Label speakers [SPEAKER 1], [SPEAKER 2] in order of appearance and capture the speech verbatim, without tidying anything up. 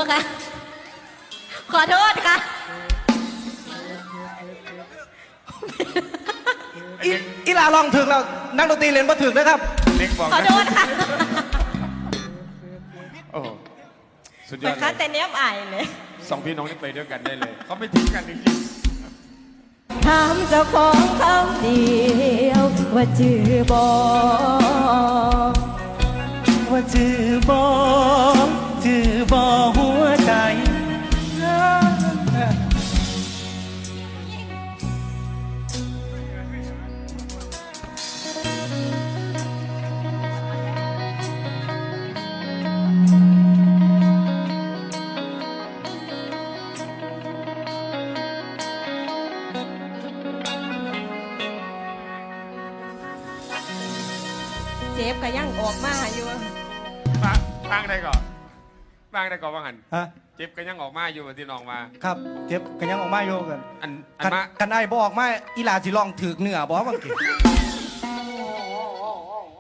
[SPEAKER 1] คะขอโทษค่ะ
[SPEAKER 2] อีอีหลาลองถึงแล้วนักดนตรีเล่นบ่ถึงนะครับ
[SPEAKER 3] เล็กบอก
[SPEAKER 1] ขอโทษค่ะ
[SPEAKER 3] โอ้โหสุดย
[SPEAKER 1] เหมื
[SPEAKER 3] อ
[SPEAKER 1] อ
[SPEAKER 3] ด
[SPEAKER 1] น
[SPEAKER 3] เล
[SPEAKER 1] คั
[SPEAKER 3] ย
[SPEAKER 1] นแต่เนี้ยอายเลย
[SPEAKER 3] สองพี่น้องนี่ไปด้วยกันได้เลยเขาไม่ทิ้งกันจริง
[SPEAKER 1] ถามเจ้าของเขาเดียวว่าจื่อบอ
[SPEAKER 2] ว่าจือบอจือบอหัวใจ
[SPEAKER 1] เจ็บก็ยังออกมาอยู่
[SPEAKER 3] ๆฟังฟังได้ก่อนฟังได้ก่อนว่างัน
[SPEAKER 2] ฮะ
[SPEAKER 3] เจ็บก็ยังออกมาอยู่ที่น้องมา
[SPEAKER 2] ครับเจ็บกันยังออกมาโยกัน
[SPEAKER 3] อันอัน
[SPEAKER 2] กัน
[SPEAKER 3] มา
[SPEAKER 2] กันไอ้บออกมาอีหลาสิลองถึกเหนือบอกว่าเก่ง